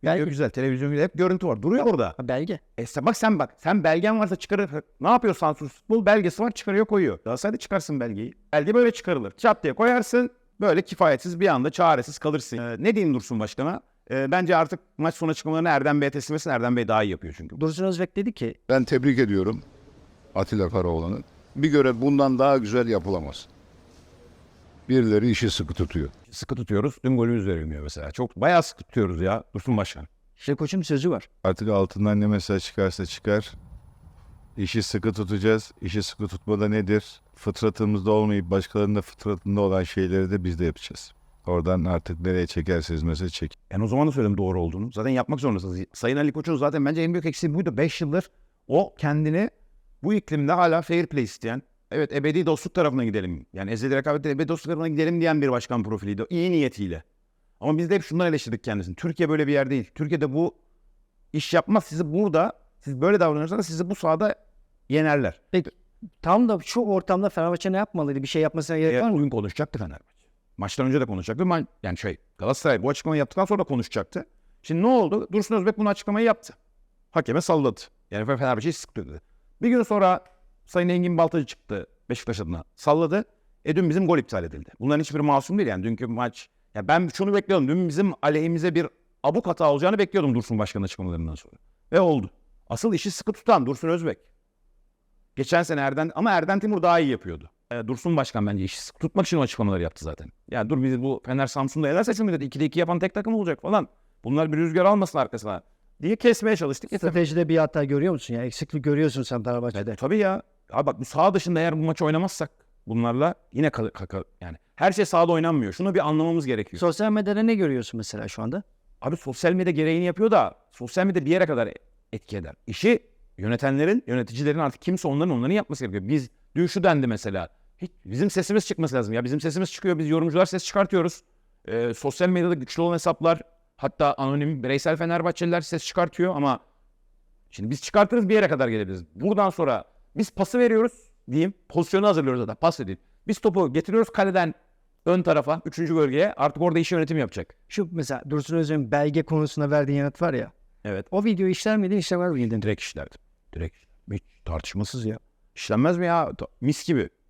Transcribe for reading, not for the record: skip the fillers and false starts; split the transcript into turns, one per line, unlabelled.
Video
Belge.
güzel, televizyon güzel. Hep görüntü var. Duruyor orada.
Ha, belge.
Bak. Sen belgen varsa çıkarır. Ne yapıyor Samsun Futbol? Belgesi var, çıkarıyor koyuyor. Galatasaray'da çıkarsın belgeyi. Belge böyle çıkarılır. Çat diye koyarsın. Böyle kifayetsiz bir anda çaresiz kalırsın. Ne diyeyim Dursun Başkan'a? Bence artık maç sonu açıklamalarını Erdem Bey'e teslim etsin. Erdem Bey daha iyi yapıyor çünkü.
Dursun Özbek dedi ki
Ben tebrik ediyorum Atilla Karaoğlan'ı. Bir görev bundan daha güzel yapılamaz. Birileri işi sıkı tutuyor.
Sıkı tutuyoruz. Dün golümüz verilmiyor mesela. Çok bayağı sıkı tutuyoruz ya Dursun Başkan.
işte koçun sözü var.
Artık altından ne mesaj çıkarsa çıkar. İşi sıkı tutacağız. İşi sıkı tutmada nedir? Fıtratımızda olmayıp başkalarının da fıtratında olan şeyleri de biz de yapacağız. Oradan artık nereye çekerseniz mesaj çekin.
O zaman da söyledim doğru olduğunu. Zaten yapmak zorundasınız. Sayın Ali Koç'un zaten bence en büyük eksiği buydu. 5 yıldır o kendini bu iklimde hala fair play isteyen, evet ebedi dostluk tarafına gidelim. Yani ezeli rekabetten ebedi dostluk tarafına gidelim diyen bir başkan profiliydi. İyi niyetiyle. Ama biz de hep şundan eleştirdik kendisini. Türkiye böyle bir yer değil. Türkiye'de bu iş yapmaz. Siz böyle davranırsanız sizi bu sahada yenerler.
Peki tam da şu ortamda Fenerbahçe ne yapmalıydı? Bir şey yapmasına gerek var mı?
Bugün konuşacaktı Fenerbahçe. Maçtan önce de konuşacaktı. Galatasaray bu açıklamayı yaptıktan sonra da konuşacaktı. Şimdi ne oldu? Dursun Özbek bunu açıklamayı yaptı. Hakeme salladı. Yani Fenerbahçe'yi sıktı dedi. Bir gün sonra Sayın Engin Baltacı çıktı Beşiktaş adına. Salladı. Dün bizim gol iptal edildi. Bunların hiçbiri masum değil yani. Dünkü maç. Ya ben şunu bekliyordum. Dün bizim aleyhimize bir abuk hata olacağını bekliyordum Dursun Başkan'ın açıklamalarından sonra. Ve oldu. Asıl işi sıkı tutan Dursun Özbek. Geçen sene Erden Timur daha iyi yapıyordu. Dursun Başkan bence işi sıkı tutmak için o açıklamaları yaptı zaten. Ya dur biz bu Fener Samsun'da yenersek mi dedi. 2'de 2 yapan tek takım olacak falan. Bunlar bir rüzgar almasın arkasına diye kesmeye çalıştık.
Stratejide bir hata görüyor musun ya? Eksiklik görüyorsun sen Fenerbahçe'de.
Tabii ya. Abi bak bu saha dışında eğer bu maçı oynamazsak bunlarla yine yani her şey sahada oynanmıyor. Şunu bir anlamamız gerekiyor.
Sosyal medyada ne görüyorsun mesela şu anda?
Abi sosyal medya gereğini yapıyor da sosyal medya bir yere kadar etki eder. İşi yöneticilerin artık kimse onların yapması gerekiyor. Biz dün şu dendi mesela. Hiç, bizim sesimiz çıkması lazım. Ya bizim sesimiz çıkıyor. Biz yorumcular ses çıkartıyoruz. Sosyal medyada güçlü olan hesaplar, hatta anonim bireysel Fenerbahçeliler ses çıkartıyor ama şimdi biz çıkartırız bir yere kadar gelebiliriz. Buradan sonra biz pası veriyoruz diyeyim. Pozisyonu hazırlıyoruz zaten. Pas edeyim. Biz topu getiriyoruz kaleden ön tarafa, 3. bölgeye. Artık orada iş yönetimi yapacak.
Şu mesela Dursun Özbek'in belge konusunda verdiğin yanıt var ya.
Evet.
O videoyu işler miydin, işlemez miydin?
Direkt işlerdim. Direkt. Hiç tartışmasız ya. İşlenmez mi ya? Mis gibi.